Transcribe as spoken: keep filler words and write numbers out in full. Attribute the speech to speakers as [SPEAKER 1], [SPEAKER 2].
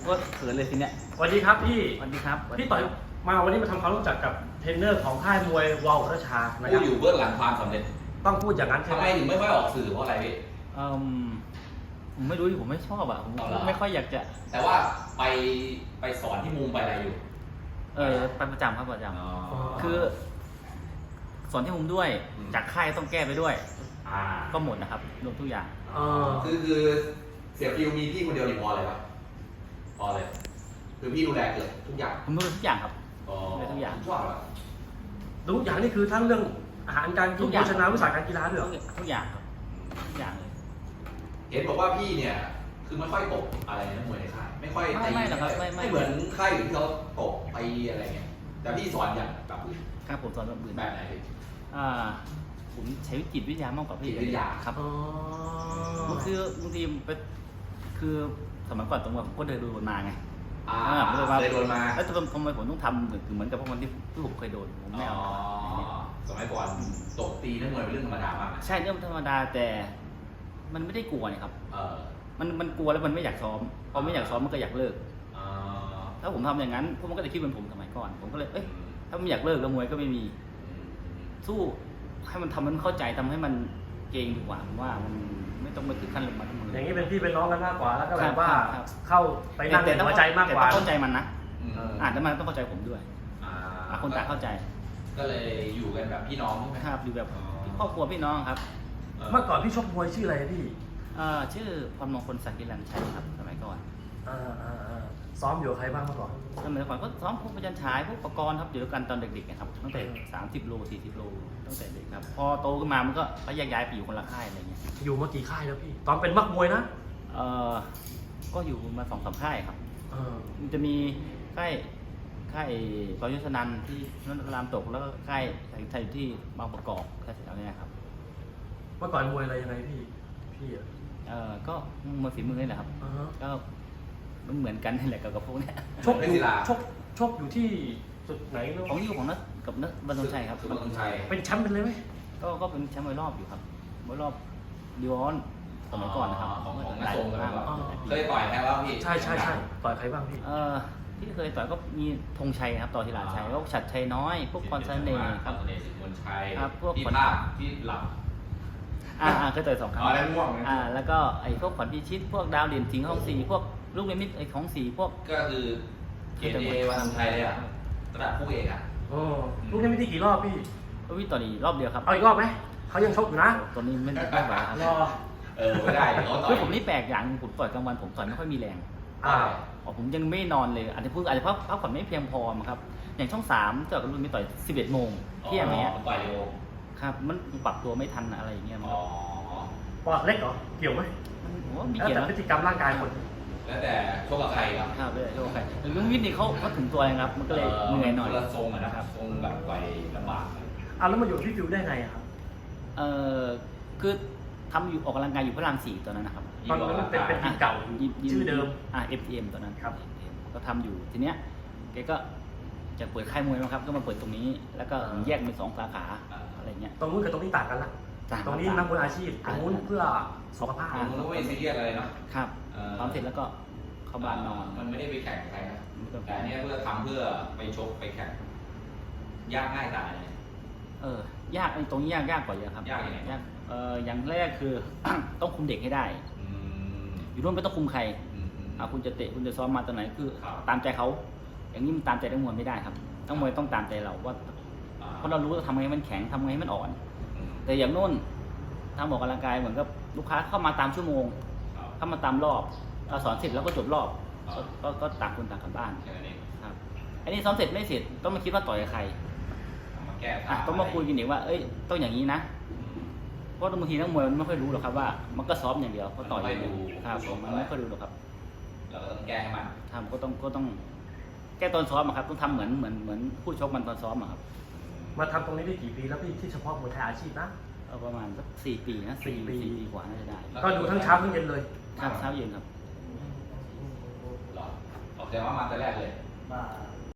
[SPEAKER 1] ก็เขินเลยทีเนี้ย
[SPEAKER 2] สวัสดีครับพี่
[SPEAKER 1] สวัสดีครับ
[SPEAKER 2] พี่ต่อยมาวันนี้มาทำความรู้จักกับเทรนเนอร์ของค่ายมวยวาวราชานะค
[SPEAKER 3] ผู้
[SPEAKER 2] รับ
[SPEAKER 3] อยู่เบื้องหลังความสำเร็จ
[SPEAKER 2] ต้องพูดอย่างนั้นใช่
[SPEAKER 3] ทำ
[SPEAKER 2] ไห
[SPEAKER 3] ไม
[SPEAKER 2] ม
[SPEAKER 3] ถึงไม่ค่อยออกสื่อเพราะอะไรพี่
[SPEAKER 1] เอ่อผมไม่รู้ดิผมไม่ชอบอ่ะผม
[SPEAKER 3] เอาเหรอ
[SPEAKER 1] ไม่ค่อยอยากจะ
[SPEAKER 3] แต่ว่าไปไปสอนที่มุมไปอะไรอยู่
[SPEAKER 1] เออไปประจำครับประจ
[SPEAKER 3] อ๋อ
[SPEAKER 1] ำคือ สอนที่มุมด้วย
[SPEAKER 3] อืม
[SPEAKER 1] จากค่ายต้องแก้ไปด้วย
[SPEAKER 3] อ่า
[SPEAKER 1] ก็หมดนะครับรวมทุกอย่าง
[SPEAKER 2] เออ
[SPEAKER 3] คือคือเสียฟิวมีพี่คนเดียวนี่พอเลยปะพอเลย คือพี่ดูแลเกือบทุกอย่าง
[SPEAKER 1] ผมรู้ทุกอย่างครับ
[SPEAKER 3] อ๋อ
[SPEAKER 1] ดูทุกอย่าง
[SPEAKER 3] ชอบอะ
[SPEAKER 2] ทุกอย่างนี่คือทั้งเรื่องอาหารการกิ
[SPEAKER 1] ทุ
[SPEAKER 2] น
[SPEAKER 1] กอ
[SPEAKER 2] โภ
[SPEAKER 1] ย่าง
[SPEAKER 2] ชนาวิสาหการกีฬาด้วยเหรอ
[SPEAKER 1] ทุกอย่างครับทุกอย่างเลย
[SPEAKER 3] เห็นบอกว่าพี่เนี่ย คือไม่ค่อยตกอะไรนะมวยในค่าย ไม่ค่อย
[SPEAKER 1] ไม่
[SPEAKER 3] ตี
[SPEAKER 1] ไม่หรอกครับไม่ไม่
[SPEAKER 3] ไม่เหมือนค่ายอื่นที่เขาตกไปอะไรเงี้ย แต่พี่สอนอย่างแบบอื่น
[SPEAKER 1] ครับผมสอนแบบอื่น
[SPEAKER 3] แบบไหนพี่
[SPEAKER 1] อ่าผมใช้จิตวิทยามากกว่าพี่
[SPEAKER 3] จิตวิทยา
[SPEAKER 1] ครับ
[SPEAKER 2] อ๋อ
[SPEAKER 1] คือบางทีไปคือสมัยก่อนตรงว่าผมก็เดินดูมาไง
[SPEAKER 3] อ่า
[SPEAKER 1] อ่าไม่ได้ว่า
[SPEAKER 3] เลยโดนมา
[SPEAKER 1] แล้วทำไมผมต้องทำเหมือนเหมือนกับพวกคนที่ที่ผมเคยโดนผมไม่
[SPEAKER 3] อ๋
[SPEAKER 1] เอา
[SPEAKER 3] อสมัยก่อนตกตีนักมวยเป็นเรื่องธรรมดามากนะ
[SPEAKER 1] ใช่เรื่องธรรมดาแต่มันไม่ได้กลัวนี่ครับ
[SPEAKER 3] เออ
[SPEAKER 1] มันมันกลัวแล้วมันไม่อยากซ้อมพอไม่อยากซ้อมมันก็อยากเลิก
[SPEAKER 3] อ่า
[SPEAKER 1] ถ้าผมทำอย่างนั้นพวกมันก็จะคิดเหมือนผมสมัยก่อน ผมก็เลยเอ้ยถ้ามันอยากเลิกแล้วมวยก็ไม่มีสู้ให้มันทำให้มันเข้าใจทำให้มันเก่งดีกว่าผมว่ามันไม่ต้องไปถึงขั้นลงมาทั้งมือ
[SPEAKER 2] อ
[SPEAKER 1] อย่าง
[SPEAKER 2] นี้เป็นพี่เป็นน้องกันมากกว่าแล้วก็แบบว่า
[SPEAKER 1] ครับครับ
[SPEAKER 2] เข้าไปนั่งในหัวใจมากกว่า
[SPEAKER 1] แต่ต้องเข้าใจมันนะ
[SPEAKER 3] อืม
[SPEAKER 1] อ่านแล้วมันต้องเข้าใจผมด้วย
[SPEAKER 3] อ่า
[SPEAKER 1] อ่ะคนต่างเข้าใจ
[SPEAKER 3] ก็เลยอยู่กันแบบพี่น้องใช่ไหม
[SPEAKER 1] ครับอยู่แบบ
[SPEAKER 3] อ๋อ
[SPEAKER 1] ครอบครัวพี่น้องครับ
[SPEAKER 2] เมื่อก่อนพี่ชกมวยชื่ออะไรพี่
[SPEAKER 1] เอ่อชื่อพรมงคลศักดิ์กิรันชัยครับสมัยก่อน
[SPEAKER 2] อ่าอ่าอ่าซ้อมอยู่กับใครบ้างเมื่อก่อน
[SPEAKER 1] สมัยก่อนก็ซ้อมพวกประจันฉายพวกประกรณ์ครับอยู่ด้วยกันตอนเด็กๆนะครับตั้งแต่สามสิบโลสี่สิบโลตั้งแต่เด็กครับพอโตขึ้นมามันก็ก็แยกย้ายไปอยู่คนละค่ายอะไรเงี้ย
[SPEAKER 2] อยู่มากี่ค่ายแล้วพี่ ตอนเป็นมักมวยนะ
[SPEAKER 1] เอ่อก็อยู่มาสองสามค่ายครับ
[SPEAKER 2] เออ
[SPEAKER 1] มันจะมีค่ายค่ายปยุทธนันท์ที่นันทรามตกแล้วก็ค่ายไทยที่บางประกอบแค่แถวเนี้ยครับ
[SPEAKER 2] เมื่อก่อนมวยอะไรยังไงพี่ พี่อ่ะ
[SPEAKER 1] เอ่อก็มวยฝีมือนี่แหละครับ
[SPEAKER 2] อ่าฮะ
[SPEAKER 1] ก็มันเหมือนกันนี่แหละกับกับพวกเนี้ย
[SPEAKER 2] ชกอยู่ชกชกอยู่ที่จุดไหนเนอะ
[SPEAKER 1] ของอยู่ของนักกับนักบรรทงชัยครับ
[SPEAKER 3] สุวรรณชัย
[SPEAKER 2] เป็นแชมป์เป็นเลยไหม
[SPEAKER 1] ก็ก็เป็นแชมป์มวยรอบอยู่ครับมวยรอบดิวออนสมัยก่อนนะครับ
[SPEAKER 3] ของของ
[SPEAKER 1] ห
[SPEAKER 3] นัก
[SPEAKER 1] ลาย
[SPEAKER 3] ทรง
[SPEAKER 1] ปี
[SPEAKER 3] นะ
[SPEAKER 1] มาก
[SPEAKER 3] ครับ
[SPEAKER 1] หลายปี
[SPEAKER 3] เคยต่อยไหมแล้วพี่
[SPEAKER 2] ใช่ใช่ใช่ต่อยใครบ้างพี่
[SPEAKER 1] เอ่อที่เคยต่อยก็มีธงชัยครับต่อทีหลาชัยพวกฉัตรชัยน้อยพวกพรเสน่ห์ครับ
[SPEAKER 3] พรเสน่ห์สิทธิ์มนชัย
[SPEAKER 1] ครับพวก
[SPEAKER 3] ที่
[SPEAKER 1] คน
[SPEAKER 3] ภาพที่หลับ
[SPEAKER 1] อ่าอ่าเคยต่อยสองครั้ง
[SPEAKER 3] อ๋อแล้วง่วงนะ
[SPEAKER 1] อ่าแล้วก็ไอ้พวกขวัญพิชิตพวกดาวเด่นสิงห์ห้องสีพวกลูกนิมิตไอ้ของสีพวก
[SPEAKER 3] ก็คือเกณฑ์เอวันทำชัยเลยอ่ะระดับผู้เอกอ่ะ
[SPEAKER 2] โอ้ลูกนี้ไม่ได้กี่รอบพี่
[SPEAKER 1] ก็วิ่งต่อนีรอบเดียวครับ
[SPEAKER 2] เอาอีกรอบไหม เขายังชกอยู่นะ
[SPEAKER 1] ตัวนี้ไม่ไม่ไหวครับ
[SPEAKER 2] รอ
[SPEAKER 3] เออไม่ได้เดี๋ยวเขาต่อ
[SPEAKER 1] คือย ผมนี่แปลกอย่างผมต่อยกลางวันผมต่อยไม่ค่อยมีแรง
[SPEAKER 2] อ่า
[SPEAKER 1] อ๋อผมยังไม่นอนเลยอาจจะพูดอาจจะเพราะพักผ่อนไม่เพียงพอมั้งครับอย่างช่องสามต่อยกับรุ่นนี้ต่อยสิบเอ็ดโมงเที่ยงอย่างเงี้ย
[SPEAKER 3] อ๋อต่อยเร็ว
[SPEAKER 1] ครับมันปรับตัวไม่ทันอะไรอย่างเงี้ยมัน
[SPEAKER 3] อ๋อ
[SPEAKER 2] ปอดเล็กเหรอ เกี่ยวไหม
[SPEAKER 1] มันผมว่ามี
[SPEAKER 2] แล้ว
[SPEAKER 1] เกียร
[SPEAKER 2] แต่
[SPEAKER 1] ติ
[SPEAKER 2] พฤ
[SPEAKER 1] นะ
[SPEAKER 2] ติกรรมร่างกายคน
[SPEAKER 3] แล้วแต่ชกกับใครครับ
[SPEAKER 1] ครับเลยโอเคลุงวิทย์นี่เขาเขาถึงตัวเองครับมันก็เลยเหนื่อยหน่อย
[SPEAKER 3] คนละทรงอะนะครับทรงแบบต่อยลำบาก
[SPEAKER 2] เอาแล้วมาอยู่ที่ฟิวได้ไงอะครับ
[SPEAKER 1] เออคือทำอยู่ออกกำลังกายอยู่พระรามสี่ตอนนั้นนะครับ
[SPEAKER 2] ตอนนั้นเป็นเป็นทีมเก่าอยู่
[SPEAKER 1] ยิมยิม
[SPEAKER 2] ชื่อเดิม
[SPEAKER 1] อ่า เอฟ ที เอ็ม ตอนนั้น
[SPEAKER 2] ครับ
[SPEAKER 1] เอฟ ที เอ็ม ก็ทำอยู่ทีเนี้ยแกก็จะเปิดค่ายมวยมาครับก็มาเปิดตรงนี้ แล้วก็แยกเป็นสองสาขาอะไรเงี้ย
[SPEAKER 2] ตรงนู้นกับตรงนี้ต่างกันละ
[SPEAKER 1] ต่าง
[SPEAKER 2] ตรงนี้นักมวยอาชีพ ตรงนู้นเพื่อสุขภาพ
[SPEAKER 3] ผมก็ไม่ซีเรียสอะไรเนาะ
[SPEAKER 1] ครับ
[SPEAKER 3] เอ่อ
[SPEAKER 1] ทำเสร็จแล้วก็เข้าบ้านนอน
[SPEAKER 3] มันไม่ได้ไปแข่งกับใครนะ
[SPEAKER 1] ไม่ต้อง
[SPEAKER 3] แต่อันเนี้ยเพื่อทำเพื่อไปชกไปแข่ง ยากง่ายต่างกันเนี่ย
[SPEAKER 1] เออยากไอ้ตรงนี้ยากยากกว่าเยอะครับ
[SPEAKER 3] ยากยังไง
[SPEAKER 1] ยากเอออย่างแรกคือ ต้องคุมเด็กให้ได้
[SPEAKER 3] อืม
[SPEAKER 1] อยู่ร่วมไม่ต้องคุมใคร
[SPEAKER 3] อืมอืม
[SPEAKER 1] อ่าคุณจะเตะคุณจะซ้อมมาตอนไหนคือ
[SPEAKER 3] ครับ
[SPEAKER 1] ตามใจเขาอย่างนี้มันตามใจนักมวยไม่ได้ครับนักมวยต้องตามใจเราว่า
[SPEAKER 3] อ่า
[SPEAKER 1] เพราะเรารู้ว่าทำไงให้มันแข็งทำไงให้มันอ่อน
[SPEAKER 3] อืม
[SPEAKER 1] แต่อย่างโน้นทำออกกำลังกายเหมือนกับลูกค้าเข้ามาตามชั่วโมง
[SPEAKER 3] ครับ
[SPEAKER 1] เข้ามาตามรอบเราสอนเสร็จแล้วก็จบรอบ
[SPEAKER 3] ครับ
[SPEAKER 1] ก็ก็ก็ต่างคนต่างกลับบ้าน
[SPEAKER 3] แค่นั้นเอง
[SPEAKER 1] ครับอันนี้ซ้อมเสร็จไม่เสร็จต้องมาคิดว่าต่อยกับใคร
[SPEAKER 3] เอามาแก้
[SPEAKER 1] อ่ะ
[SPEAKER 3] ทาง
[SPEAKER 1] ต้องมาคุยกันอีกว่าเอ้ยต้องอย่างนี้นะเพราะบางทีนักมวยมันไม่ค่อยรู้หรอกครับว่ามันก็ซ้อมอย่างเดียวเขาต่อยอย่างเดียวครับผมมันไม่ค่อยรู้หรอกครับ
[SPEAKER 3] เราก็ต้องแก้ให้มัน
[SPEAKER 1] ทำก็ต้องก็ต้องแก้ตอนซ้อมอะครับต้องทำเหมือนเหมือนเหมือนผู้ชกมันตอนซ้อมอะครับ
[SPEAKER 2] มาทำตรงนี้ได้กี่ปีแล้วพี่ที่เฉพาะมวยไทยอาชีพนะ
[SPEAKER 1] เอาประมาณสักสี่ปีนะ
[SPEAKER 2] สี่ปี
[SPEAKER 1] สี่ปีกว่าน่าจะได้
[SPEAKER 2] ก็ดูทั้งเช้าทั้งเย็นเลย
[SPEAKER 1] ครับเช้าเย็นครับ
[SPEAKER 3] หรอออกแต่ว่ามาแต่แรกเลย
[SPEAKER 2] มา